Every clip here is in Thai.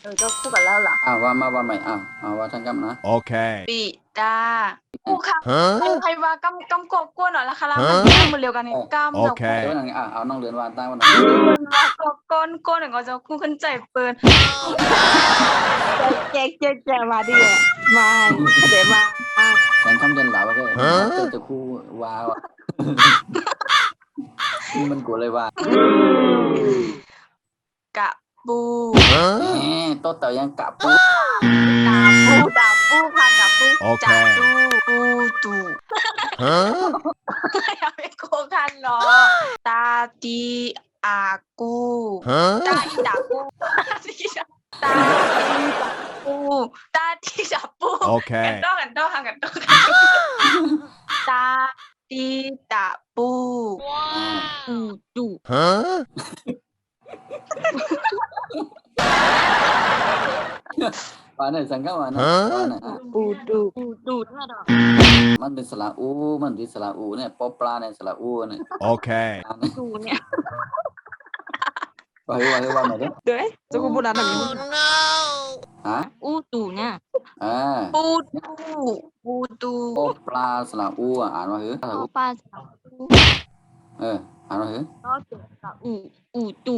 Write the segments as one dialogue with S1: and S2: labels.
S1: ก็คู่กันแล้วล่ะ
S2: ว่ามาว่าใหม่ว่าทางกำนะ
S1: ปิดาคู่ค่ะใครว่ากำกบกวนหน่อยละคะแล้วมันเร็วกันเนี่ยกำจะคู่
S2: เดี๋ยวนั่งเอาน้องเรียนว่าตั้งวัน
S1: ว่ากบก้นหนึ่งก็จะคู่ขึ้นใจเปินแจกมาดิมาเดี๋ยวมา
S2: แสงคำเดินเหล่าก็จะคู่ว้าวมันกูเลยว่าก
S1: ะปู
S2: โต๊ะเต่ายังกะปู
S1: ดาปูค่ะกะปูจับปูตูอย่าไปโกงกันเนาะตาตีอากูตาอีดาปูตาตีจับกันต้องตาตีตาปูตู
S2: ว่าเนี่ยสังกัดว่าเนี่ย
S1: ปูท่าดอก
S2: มันเป็นสระอูมันเป็นสระอูเนี่ยปอปลาเนี่ยสระอูเนี่ย
S1: ตูเนี่ย
S2: ว่าไหนเด้อ
S1: เด้จะกูพูดอะไรแบบนี้อูตูเนี่ยปูตู
S2: ปอปลาสระอูอ่านว่าหือ
S1: ปอปลาสระอู
S2: อ่านว่าหือ
S1: ก็เจอสระอูตู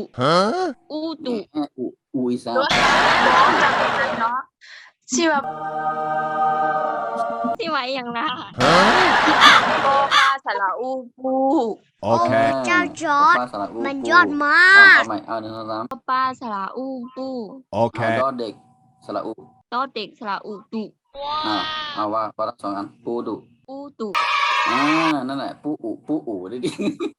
S2: อูอีสาน
S1: จับกันเนาะชื่อแบบที่ไว้อย่างน่ะปอปลาสระอูปู
S3: เจ้าจอร์ดมันยอดมาก
S2: เอาใหม่เอา1 2 3
S1: ปอปลาสระอูปู
S2: ดอเด็กสระอู
S1: ดอเด็กสระอูตุ
S2: เอาว่าทั้ง2 อันปูดุนั่นแหละปูอูดิ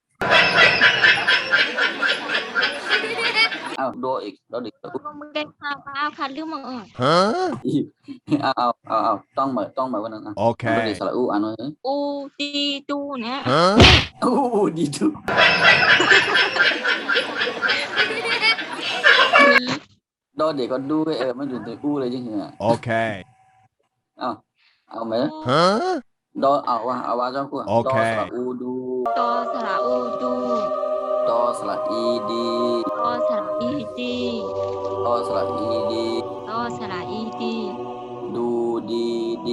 S2: เอาดออีกดอเด็ก
S1: มึงได้ข่าวค่ะเรื่องมึง
S2: เอาต้องเหมือนวันนั้นดอเด็กสระอูอ่านว่า
S1: อูตีตูเนี่ย
S2: ดีดุดอเด็กก็ดูมันอยู่ในอูเลยจริงๆเอาไหมดอเอาว่าเจ้ากูดอสระอูดู
S1: ดอสระอูดู
S2: ดอสระอีดี
S1: ดอสระอีดี
S2: ดอสระอีดี
S1: ดอสระอีดี
S2: ดูดี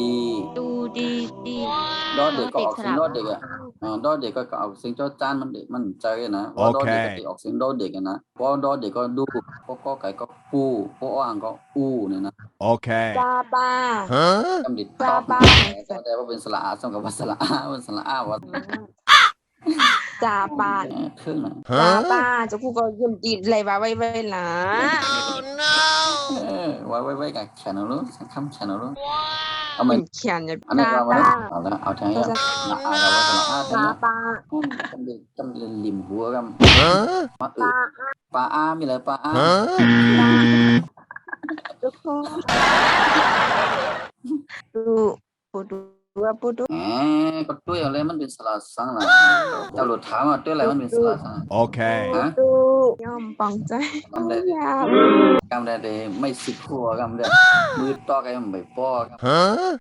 S2: ดอเด็กก็ออกเสียงดอเด็กดอเด็กก็ออกเสียงจอจานมันใจนะว่าดอเด็กก็ออกเสียงดอเด็กนะเพราะดอเด็กก็ดูก็ไก่ก็ปูก็อ่างก็อูเนี่ยนะ
S1: จาบา
S2: จำดิตอบแต่ว่าเป็นสระอาสมกับว่าสระอาเป็นสระอาว่า
S1: จาบา
S2: เครื่องนะ
S1: จาบาจะพูดก็ยืมจีนอะไรวะไว้ล่ะ
S2: ไว้กับแขนเอาลูกคำแขนเอาลูกเอา
S1: มั
S2: น
S1: เขียนอย่าง
S2: อันนี้เราเอาแล้วเอาทางนี้เอาว่าสระอา
S1: จาบา
S2: จำลิมหัวกันปลาอามีอะไรปลาอา
S1: ทุกคนปูดู
S2: ก็ด้วยอะไรมันเป็นสระสังนะเจ้าหลุดถามว่าด้วยอะไรมันเป็นสระสัง
S1: ดูย่อมปังใจ
S2: กำได้ไม่สิบหัวกำได้มือต่อกันไม่ป้อ